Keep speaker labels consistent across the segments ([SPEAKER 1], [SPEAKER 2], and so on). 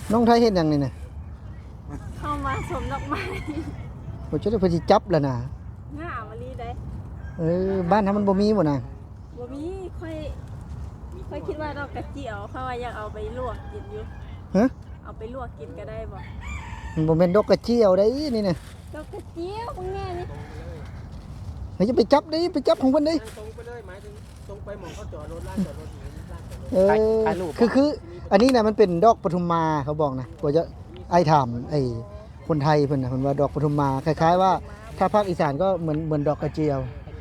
[SPEAKER 1] น้องไทยเฮ็ดหยังนี่น่ะ
[SPEAKER 2] เข้ามาสมดอกไม้
[SPEAKER 1] บ่จะได้เพิ่นสิจับแล้วนะ
[SPEAKER 2] ง่ามมะลิได้
[SPEAKER 1] บ้านเฮามันบ่มีบ่น่ะ
[SPEAKER 2] บ่มีค่อยคิดว่าดอกกระเจียวเขาว่าอยากเอาไปลวกกินอยู่
[SPEAKER 1] ฮะ
[SPEAKER 2] เอาไปลวกกินก็ได้บ่
[SPEAKER 1] มันบ่แม่นดอกกระเจียวได้นี่น่ะ
[SPEAKER 2] ดอกกระเจียวพวกแง่นี่
[SPEAKER 1] เฮ้ยจะไปจับดิไปจับของเพิ่นดิ
[SPEAKER 3] ตรงไปเลยหมายถึงตรงไปหมองเขาจอดรถลานจอดรถอยู่ลานจอดรถ
[SPEAKER 1] ถ่ายรูปคืออันนี้น่ะมันเป็นดอกปทุมมาเขาบอกนะกว่าจะไอ้ถามไอ้คนไทยเพิ่นน่ะเพิ่นว่าดอกปทุมมาคล้ายๆว่าถ้าภาคอีสานก็เหมือนดอกกระเจียว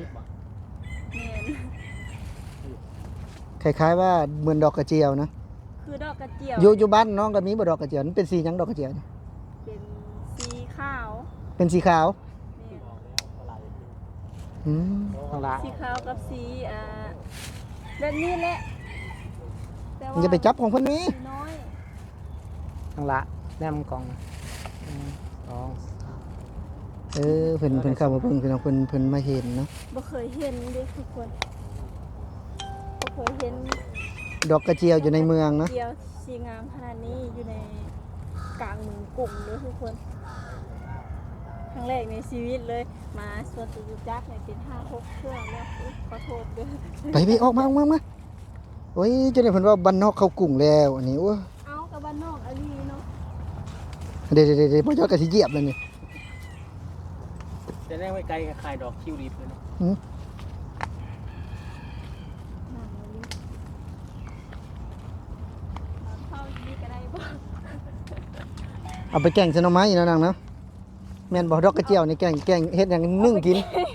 [SPEAKER 2] แม่น
[SPEAKER 1] คล้ายๆว่าเหมือนดอกกระเจียวนะ
[SPEAKER 2] คือดอกกระเจียว
[SPEAKER 1] อยู่บ้านน้องก็มีบ่ดอกกระเจียวมันเป็นสีหยังดอกกระเจียวนี่
[SPEAKER 2] เป็นสีขาว
[SPEAKER 1] เป็นสีขาว
[SPEAKER 2] แม่น
[SPEAKER 1] อืม
[SPEAKER 3] ทางละ
[SPEAKER 2] สีขาวกับสีแบบนี้แหละแต่
[SPEAKER 1] มันจะไปจับของเพิ่นนี้
[SPEAKER 2] สีน้อย
[SPEAKER 3] ทางละแนมกล่องสอง
[SPEAKER 1] เพิ่นเข้ามาเพิ่งเพิ่นมาเห็นเนาะ
[SPEAKER 2] บ่เคยเห็นเด้ทุกคนบ่เคยเห็น
[SPEAKER 1] ดอกกระเจียวอยู่ในเมืองเนาะ
[SPEAKER 2] เจียวสีงามขนาดนี้อยู่ในกลางเมืองกรุงเลยทุกคนครั้งแรกในชีวิตเลยมาสวนตุจักรเนี่ยเป็น5-6เครื่องแล้วอุ๊ยขอโทษด้วย
[SPEAKER 1] ไปออกมาโอ้ยจนได้เพิ่นว่าบ้านนอกเข้ากรุงแล้วอันนี้โอ้
[SPEAKER 2] เอากับบ้านนอกอลีเนาะ
[SPEAKER 1] เดี๋ยวบ่จอดก็สิเหยียบแล้วนี่
[SPEAKER 3] จะแนมไว้ไกลกับขายดอกคิวรีบเลยเนาะ
[SPEAKER 2] นั่งอลีเข้าดีก็ได้บ่
[SPEAKER 1] เอาไปแกงใส่หน่อไม้เนาะนางเนาะแม่นบ่ดอกกระเจียวนี่แกงเฮ็ดหยังนึ่งกิน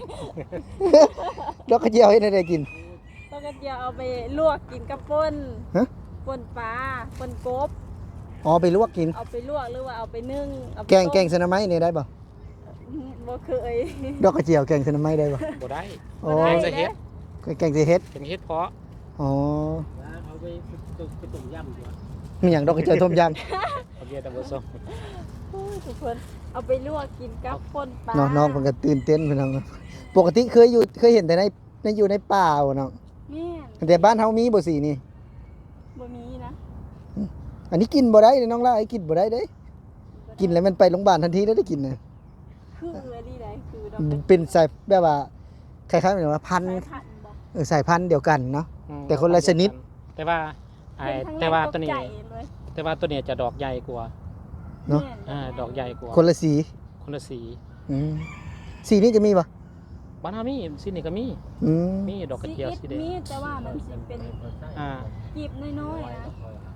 [SPEAKER 1] ดอกกระเจียวเฮ็ดให้ได้กิน
[SPEAKER 2] ต้องกระเจียวเอาไปลวกกินกับป่น
[SPEAKER 1] ฮะ
[SPEAKER 2] ป่นปลาป่นกบ
[SPEAKER 1] อ๋อไปลวกกิน
[SPEAKER 2] เอาไปลวกหรือว่าเอาไปนึ่งเอาไป
[SPEAKER 1] แกง
[SPEAKER 2] ต้ม
[SPEAKER 1] ใส่หน่อไม้นี่ได้บ่
[SPEAKER 2] บ่เคย
[SPEAKER 1] ดอกกระเจียวแกงใส่หน่อไม้ได้บ่
[SPEAKER 3] บ่ได้
[SPEAKER 1] อ๋อ
[SPEAKER 3] แกงใส่เฮ็ด
[SPEAKER 1] แกงใส่เฮ็ด
[SPEAKER 3] เป็นเฮ็ดเพาะ
[SPEAKER 1] อ๋อ
[SPEAKER 3] เอาไปต้มยำดีกว่า
[SPEAKER 1] มีหยังดอกกระเจียวต้มย
[SPEAKER 3] โอเคแต่บ่ส่ง
[SPEAKER 2] โอ้ยทุกคนเอาไปลวกกินกับป่นปลา
[SPEAKER 1] ำน้องเพิ่นก็ตื่นเต้นเพิ่นน้องปกติเคยเห็นแต่ในอยู่ในป่าบ่น้อง
[SPEAKER 2] แม่น
[SPEAKER 1] แต่บ้านเฮามีบ่สีนี่
[SPEAKER 2] บ่มีนะ
[SPEAKER 1] อันนี้กินบ่ได้เลยน้องล่าไอ้กินบ่ได้เด้กินแล้วมันไปโรงพยาบาลทันทีแล้วได้กินน่ะ
[SPEAKER 2] คืออันนี้ได้คือดอกกระ
[SPEAKER 1] เป็นสายแบบว่าคล้ายๆเหมือนว่าพันธุ์
[SPEAKER 2] สายพันธุ์บ่
[SPEAKER 1] สายพันธุ์เดียวกันเนาะ แต่คนละชนิด
[SPEAKER 3] แต่ว่า
[SPEAKER 2] เป็นครั้งแรก
[SPEAKER 3] แต่ว่าตัวนี้
[SPEAKER 2] ตกใจเลย
[SPEAKER 3] แต่ว่าตัวนี้จะดอกใหญ่กว่า
[SPEAKER 1] เนาะ
[SPEAKER 2] แม่น
[SPEAKER 3] ดอกใหญ่กว่า
[SPEAKER 1] คนละสี
[SPEAKER 3] คนละสี
[SPEAKER 1] อืมสีนี้จะมีปะ
[SPEAKER 3] บ้านเฮามีสีนี้ก็มี
[SPEAKER 1] อืม
[SPEAKER 3] มีดอกกระเจียวสีแดง
[SPEAKER 2] มีแต่ว่ามันสิเป็น
[SPEAKER 3] อ่า
[SPEAKER 2] กีบน้อยๆนะ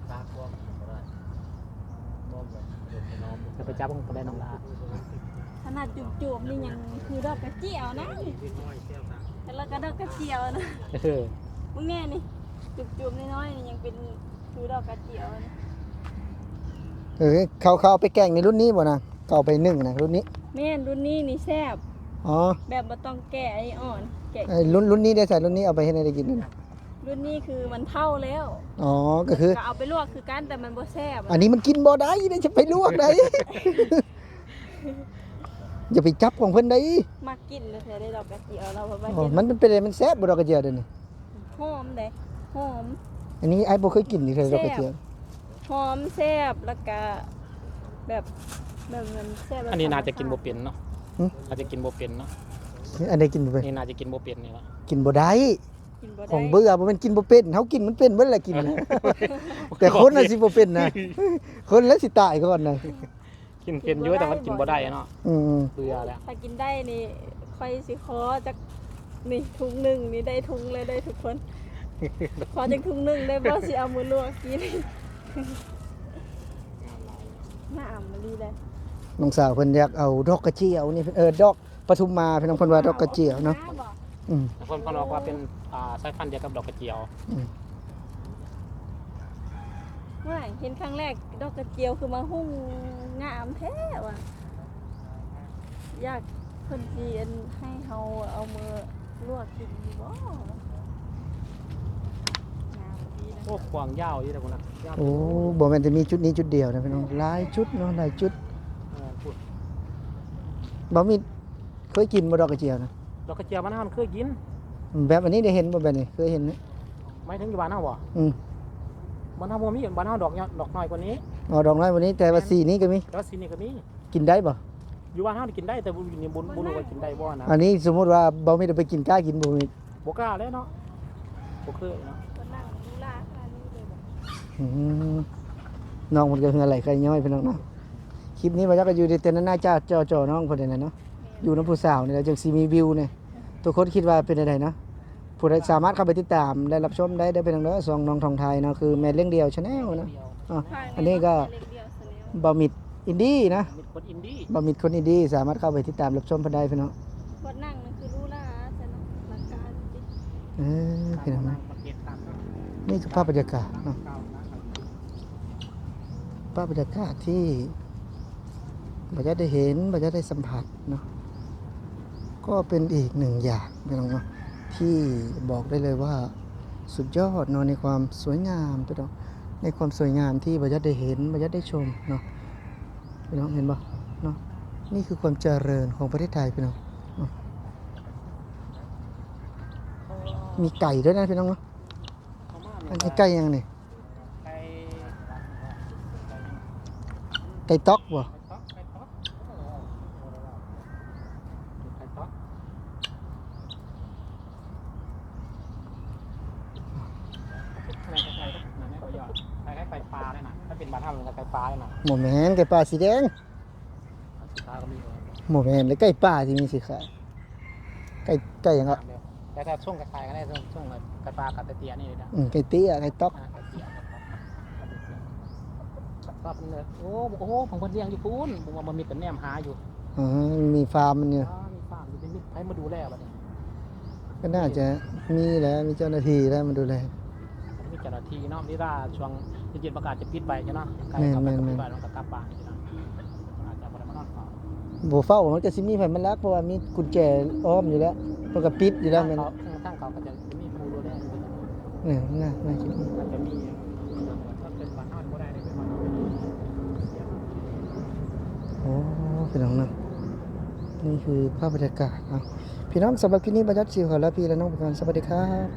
[SPEAKER 3] จะไปจับของได้น้องลา
[SPEAKER 2] ขนาดจุบๆนี่ยังคือดอกกระเจียวนะแล้วก็ดอกกระเจียวนะ
[SPEAKER 3] เออ
[SPEAKER 2] มึงแน่นี่จุบๆน้อยๆนี่ยังเป็นคือดอกกระเจียวนะ
[SPEAKER 1] เขาเอาไปแกงในรุ่นนี้บ่นะเขาเอาไปนึ่งนะรุ่นนี้
[SPEAKER 2] แม่นรุ่นนี้นี่แซ่บ
[SPEAKER 1] อ๋อ
[SPEAKER 2] แบบบ่ต้องแกะไอ้อ่อนแกะ
[SPEAKER 1] ไอ้รุ่นนี้ได้ใส่รุ่นนี้เอาไปให้ได้กินนั่น
[SPEAKER 2] รุ่นนี้คือมันเท่าแล้ว
[SPEAKER 1] อ๋อก็คือ
[SPEAKER 2] ก็เอาไปลวกคือกันแต่มันบ่แซ่บ
[SPEAKER 1] อันนี้มันกินบ่ได้ได้จะไปลวกได้ อย่าไปจับของเพิ่นได้
[SPEAKER 2] มากินเลยเธอได้ดอกกระเจียวเราเพราะว่า
[SPEAKER 1] อ๋อ
[SPEAKER 2] เห็น
[SPEAKER 1] มันเป็นอะไรมันแซ่บบ่ดอกกระเจียวเด้อนี่
[SPEAKER 2] หอมเด้หอม
[SPEAKER 1] อันนี้ไอ้บ่เคยกินนี่เลยดอกกระเจียว
[SPEAKER 2] หอมแซ่บแล้วก็แบบมันแซ่บแบบ
[SPEAKER 3] อันนี้น่าจะกินบ่เป็นเนาะ
[SPEAKER 1] หึ
[SPEAKER 3] น่าจะกินบ่เป็นเนาะ
[SPEAKER 1] อันนี้กินบ่เป็น
[SPEAKER 3] นี่น่าจะกินบ่เป็นนี่ละ
[SPEAKER 1] กินบ่ได้
[SPEAKER 2] กินบ่ได้
[SPEAKER 1] ของเบื่อบ่แม่นกินบ่เป็นเฮากินมันเป็นเบิดแหละกินนะ แต่คนน่ะสิบ่เป็นนะ คนแล้วสิตายก่อนนะ
[SPEAKER 3] กินเป็นอยู่แต่ว่ากินบ่ได้เนาะ
[SPEAKER 1] อืม
[SPEAKER 3] เบื่อแล้ว
[SPEAKER 2] ถ้ากินได้นี่ค่อยสิขอจักนี่ถุงหนึงนี่ได้ถุงเลยได้ทุกคน ขอจักถุงหนึงได้บ่สิเอามือลวกกิน น่าอ่ำมันดีเลย
[SPEAKER 1] น้องสาวเพิ่นอยากเอาดอกกระเจียวนี่ดอกปทุมมาพี่น้องเพิ่นว่าดอกกระเจียวเนาะ
[SPEAKER 2] บอก
[SPEAKER 1] อืม
[SPEAKER 3] แต่คนบอกว่าเป็นสายพันธุ์เดียวกับดอกกระเจียว
[SPEAKER 2] ว่าเห็นครั้งแรกดอกกระเจียวคือมาหุ้งงามแท้ว่ะอยากเพิ่นสิอันให้เฮาเอามือลวกกินอยู่บ่งามดีนะ
[SPEAKER 3] โอ้ขวางยาวอยู่แต่คนน่ะยาว
[SPEAKER 1] โอ้บ่แม่นจะมีจุดนี้จุดเดียวนะพี่น้องหลายจุดเนาะหลายจุด
[SPEAKER 3] พูด
[SPEAKER 1] บ่มีเคยกินบ่ดอกกระเจียวนะ
[SPEAKER 3] ดอกกระเจียวบ้านเฮามันเคยกิน
[SPEAKER 1] แบบอันนี้ได้เห็นบ่แบบนี้เคยเห็นไหม
[SPEAKER 3] หมายถึงอยู่บ้านเฮาบ่
[SPEAKER 1] อืม
[SPEAKER 3] บ้านเฮาบ่มีบ้านเฮาดอกน้อยกว่านี้
[SPEAKER 1] คอ๋อดอกน้อยวันนี้แต่ว่าสีนี้ก็มี
[SPEAKER 3] แล้วสีนี่ก็มี
[SPEAKER 1] กินได้บ่
[SPEAKER 3] อยู่ว่าห้ามกินได้แต่บุญนี่บุญรู้ว่ากินได้บ่นะ
[SPEAKER 1] อันนี้สมมุติว่าบ่มีได้ไปกินกล้ากินบ่มี
[SPEAKER 3] บ่กล้าแล้วเนาะบ่เคยเนาะ
[SPEAKER 2] คนนั่งดูลาขนาดนี้เลยบอก
[SPEAKER 1] อืมน้องมันก็เฮือไหลไข่ย้อยพี่น้องเนาะคลิปนี้บ่จักก็อยู่ในเต็นท์หน้าจ้าจ่อๆน้องเพิ่นนั่นน่ะเนาะอยู่น้ำผู้สาวนี่แหละจังสิมีวิวเนี่ยทุกคนคิดว่าเป็นจังไดเนาะผู้ใดสามารถเข้าไปติดตามได้รับชมได้เป็นทางเด้อสองน้องทองไทยเนาะคือแม่เลี้ยงเดียว Channel นะอ๋ออันนี้ก็
[SPEAKER 2] เล็กเดียวเสนอ
[SPEAKER 1] บ่มิดอินดี้นะ
[SPEAKER 3] มีคนอินดี้
[SPEAKER 1] บ่มิดคนอินดี้สามารถเข้าไปติดตามรับชมเพิ่นได้พี่น้อง
[SPEAKER 2] คนนั่งนั่นคือรู้ละแต่เนาะหลักการจริง
[SPEAKER 1] พี่น้องนะ
[SPEAKER 3] ประเทศตาม
[SPEAKER 1] นี่คือภาพบรรยากาศเนาะภาพบรรยากาศที่บ่จะได้เห็นบ่จะได้สัมผัสเนาะก็เป็นอีกหนึ่งอย่างพี่น้องเนาะที่บอกได้เลยว่าสุดยอดเนาะในความสวยงามพี่น้องในความสวยงามที่บ่จะได้เห็นบ่จะได้ชมเนาะพี่น้องเห็นบ่เนาะนี่คือความเจริญของประเทศไทยพี่น้องเนาะมีไก่ด้วยนะพี่น้องเนาะอันนี้ไก่ยังนี่
[SPEAKER 3] ไก่
[SPEAKER 1] ไก่ต๊อกบ่
[SPEAKER 3] ไก่ต๊อกไก่ต๊อกอะไรไก่ต๊อกนั่นไม่ก็ยอดไก่ปลาเลยนะถ้าเป็นบาท่ามันก็ไก่ปลาเลยนะ
[SPEAKER 1] หมูแมนไก่ป่าสีแดง
[SPEAKER 3] สุดท้ายก็มี
[SPEAKER 1] หมูแมนและไก่ป่าที่มีสีขาวไก่ยังอ่ะ
[SPEAKER 3] แต่ถ้าช่วงกระต่ายก็ได้ช่วงไก่ปลากับไก่เตี้ยนี่เลยนะ
[SPEAKER 1] ไก่เตี้ยไก่ต๊อก
[SPEAKER 3] ไก่เตี้ยก็เป็นเลยโอ้โหผมคนเลี้ยงอยู่พูนผมว่ามันมีแต่แนมหาอยู่
[SPEAKER 1] อ๋อมีฟาร์มมันเนี่ย
[SPEAKER 3] มีฟาร์มอยู่เป็นมิตรให้มาดูแลบัดนี้
[SPEAKER 1] ก็น่าจะมีแล้วมีเจ้าหน้าที่แล้วมาดูแล
[SPEAKER 3] มีเจ้าหน้าที่เนาะนี่ถ้าช่วงเย็นๆประกาศจะปิดไปใช่เนาะใกล้กับปิดไปต้องกลับบ้านใช่เนาะอาจจะบ่ได้มานอนเฝ้า
[SPEAKER 1] บ่เฝ้ามันก็สิมีไผมันรักเพราะว่ามีกุญแจอ้อมอยู่แล้วเพิ่นก็ปิดอยู่แล้วแม่น
[SPEAKER 3] ทางเขาก็จะมีผู้ดูแลอยู่
[SPEAKER 1] เนี่ยน่าคิดว่า
[SPEAKER 3] อาจจะมีถ้าเป็นบ้านนอนบ่ได้ได้เป็นบ้านนอน
[SPEAKER 1] โอ้พี่น้องนะนี่คือภาพบรรยากาศเนาะพี่น้องสำหรับคลิปนี้บรรยัติสิวขอลาพี่และน้องไปก่อนสวัสดีครับ